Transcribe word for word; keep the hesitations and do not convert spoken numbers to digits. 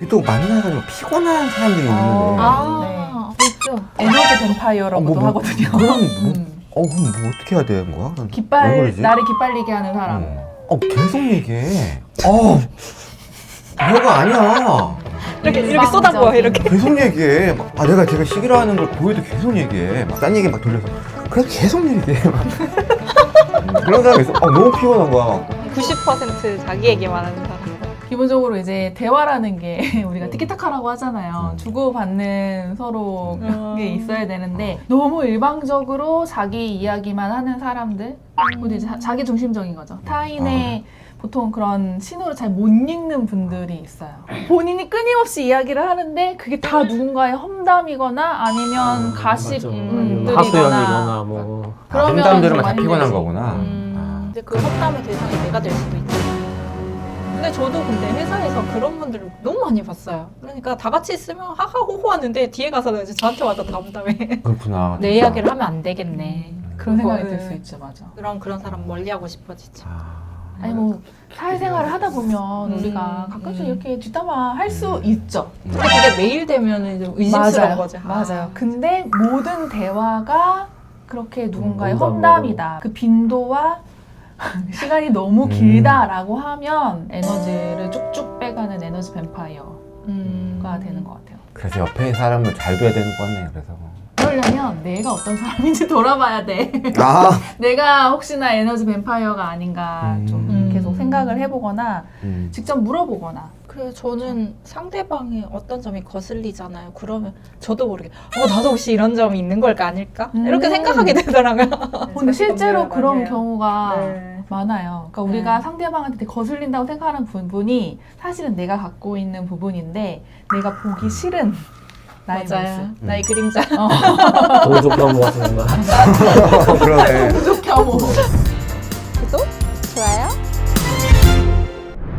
또 만나가지고 피곤한 사람들이 있는데. 아, 네. 있죠. 에너지 뱀파이어라고도 어, 뭐, 뭐, 하거든요. 그럼 뭐, 음. 어 그럼 뭐 어떻게 해야 되는 거야? 왜 기빨 그러지? 나를 기빨리게 하는 사람. 어, 어 계속 얘기해. 어 별거 아니야. 이렇게 이렇게 쏟아부어 이렇게. 계속 얘기해. 막, 아 내가 제가 시기라는 걸 보여도 계속 얘기해. 막 딴 얘기 막 돌려서. 그래서 계속 얘기해. 막. 음, 그런 사람이 있어. 어, 너무 피곤한 거야. 구십 퍼센트 자기 얘기만 하는 사람. 기본적으로 이제 대화라는 게 우리가 티키타카라고 하잖아요. 음. 주고받는 서로 음. 게 있어야 되는데 너무 일방적으로 자기 이야기만 하는 사람들, 그리고 이제 자- 자기 중심적인 거죠. 타인의 보통 그런 신호를 잘 못 읽는 분들이 있어요. 본인이 끊임없이 이야기를 하는데 그게 다 누군가의 험담이거나 아니면 가십들이거나 하소연이거나 뭐. 아, 그러면 험담 들으면 다 정말 피곤한 힘들지. 거구나. 음, 근데 그 험담의 대상이 내가 될 수도 있지. 근데 저도 근데 회사에서 그런 분들을 너무 많이 봤어요. 그러니까 다 같이 있으면 하하호호 하는데 뒤에 가서는 이제 저한테 와서 다 험담해. 그렇구나. 내 진짜. 이야기를 하면 안 되겠네. 그런 생각이 그거를- 들 수 있죠, 맞아. 그런 그런 사람 멀리하고 싶어지죠. 아, 아니 뭐 사회생활을 하다 보면 음, 우리가 가끔씩 음. 이렇게 뒷담화 할 수 있죠. 근데 그게 매일 되면 이제 의심스러운 맞아요. 거지. 아. 맞아요. 근데 모든 대화가 그렇게 누군가의 음, 험담이다. 그 빈도와 시간이 너무 음. 길다라고 하면 에너지를 쭉쭉 빼가는 에너지 뱀파이어가 음. 되는 것 같아요. 그래서 옆에 사람을 잘 둬야 되는 것 같네. 그래서. 그러려면 내가 어떤 사람인지 돌아봐야 돼. 아. 내가 혹시나 에너지 뱀파이어가 아닌가 좀 음. 계속 생각을 해보거나 음. 직접 물어보거나. 그래서 저는 상대방의 어떤 점이 거슬리잖아요. 그러면 저도 모르게 어 나도 혹시 이런 점이 있는 걸까 아닐까 음. 이렇게 생각하게 되더라고요. 근데 실제로 고민을 그런 많이 해요. 경우가 네. 많아요. 그러니까 우리가 네. 상대방한테 되게 거슬린다고 생각하는 부분이 사실은 내가 갖고 있는 부분인데 내가 보기 싫은 나의 맞아요. 모습. 나의 그림자. 동족혐오 같은 건가? 그러네. 부족혐오.